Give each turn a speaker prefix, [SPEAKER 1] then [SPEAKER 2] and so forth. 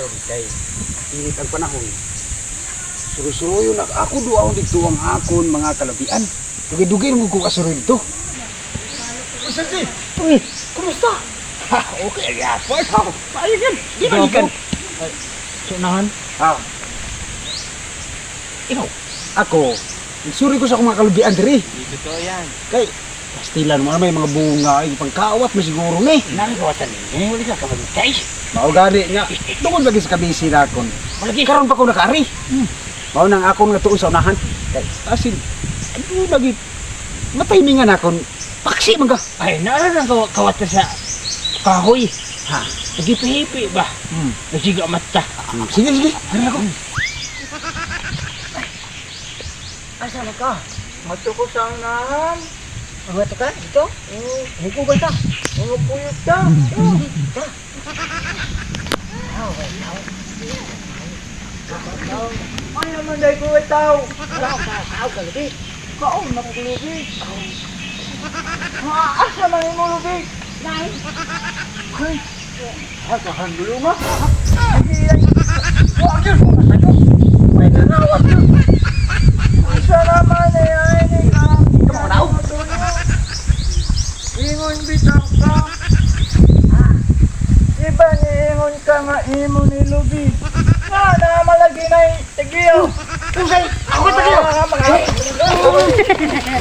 [SPEAKER 1] karon kay init ang panahon. Surusuyo na ako duaon dito ang akon mga kalabian. Dugay-dugay mo ko asuro dito. Santi, uy, kumusta? Ha, okay ya, Fort. Paayos yan. Di ba ikan?
[SPEAKER 2] Sunahan?
[SPEAKER 1] Ikaw, ako, nagsuri ko sa akong mga kalabian diri.
[SPEAKER 2] Dito to yan.
[SPEAKER 1] Kay, pastilan mo may mga bunga, ay pangkawat mo siguro ni.
[SPEAKER 2] Nami kawatan ni. Wala ka kamagkay.
[SPEAKER 1] Mao gani niya. Tungod lagi sa kabisi na akon. Malagi karon pa ko nakaari. Mao nang akon nga tuon sa unahan. Kay asin ano lagi matimingan akon. Paksi man ka.
[SPEAKER 2] Ay, naalala ka kawatan sa kahoy.
[SPEAKER 1] Ha.
[SPEAKER 2] Nagipihipi ba? Nasiga mata.
[SPEAKER 1] Sige sige. Ano ako?
[SPEAKER 2] Asa na ka? Mato ko sa unahan. Mato ka? Ito? Hugo ba ta? Mga puyot ka. Ay naman dahil ko ay tao. Tao ka lubi. Kaon na ko lubi. Asa man yung lubi? Nay. Ay. Hakahan dulu nga. Wag yun. May nanawag yun. Isa naman ay ni ka.
[SPEAKER 1] Kamu tahu?
[SPEAKER 2] Ingon bitang ka. Iba ni ingon ka nga imo ni Lubi. Nga na malagi na yung tagiyo.
[SPEAKER 1] Usay, ako tayo.